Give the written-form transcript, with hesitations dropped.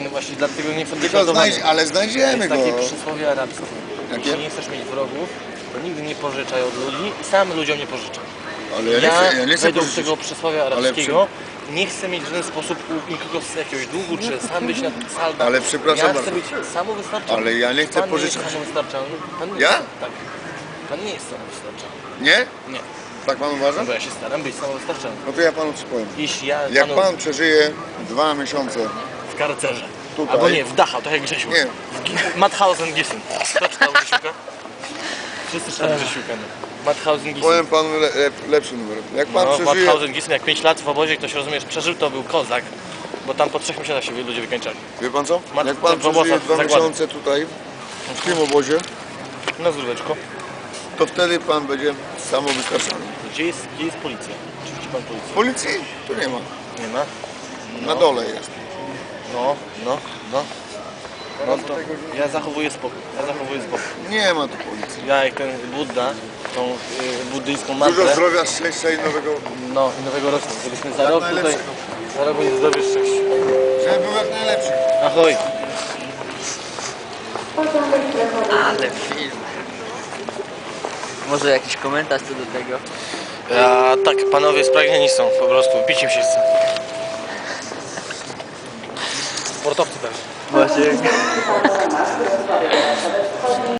No właśnie dlatego nie chcę być Tylko nazwany. ale znajdziemy Jest go. takie przysłowie arabskie. Jakie? Jeśli nie chcesz mieć wrogów, to nigdy nie pożyczaj od ludzi i sam ludziom nie pożyczaj. Ale ja nie chcę według pożyczyć. tego przysłowia arabskiego nie chcę mieć w żaden sposób u nikogo z jakiegoś długu, czy sam być na salda. Ale przepraszam ja bardzo. chcę być samowystarczalny. Ale ja nie chcę Pan pożyczać. Nie jest samowystarczalny. Pan nie Ja? Jest, tak. Pan nie jest samowystarczalny. Nie? Nie. Tak pan uważa? No bo ja się staram być samowystarczalny. No to ja panu coś powiem. Jeśli ja Jak panu pan przeżyje 2 miesiące, w karcerze, Tutaj. albo nie, w Dachau, tak jak Grzesiu. Nie. Mauthausen Gissen. Kto czytał Grzesiuka? Wszyscy czytali Grzesiuka. Mauthausen Gissen. powiem panu lepszy numer. Jak pan No, przeżyje... Mauthausen Gissen, jak 5 lat w obozie ktoś, rozumiesz, przeżył, to był kozak. Bo tam po 3 miesiącach się ludzie wykańczali. Wie pan co? Mat- Jak pan w obozach, przeżyje 2 zakładach. miesiące tutaj, w tym obozie, Na zdróweczko. to wtedy pan będzie samowystarczalny. Gdzie jest policja? Czy widzi pan policję? Policji tu nie ma. Nie ma? Na dole jest. No to ja zachowuję spokój. Nie ma tu policji. Ja jak ten Budda, tą buddyjską Dużo mantrę, zdrowia, szczęścia i nowego... no i nowego roku, żebyśmy za rok tutaj, najlepszego. za rok będzie zdrowie szczęście. Żeby był jak najlepszy. Ahoj. Ale film. Może jakiś komentarz co do tego? Tak, panowie spragnieni są po prostu, bić im się chce. Sportowcy też. Właśnie.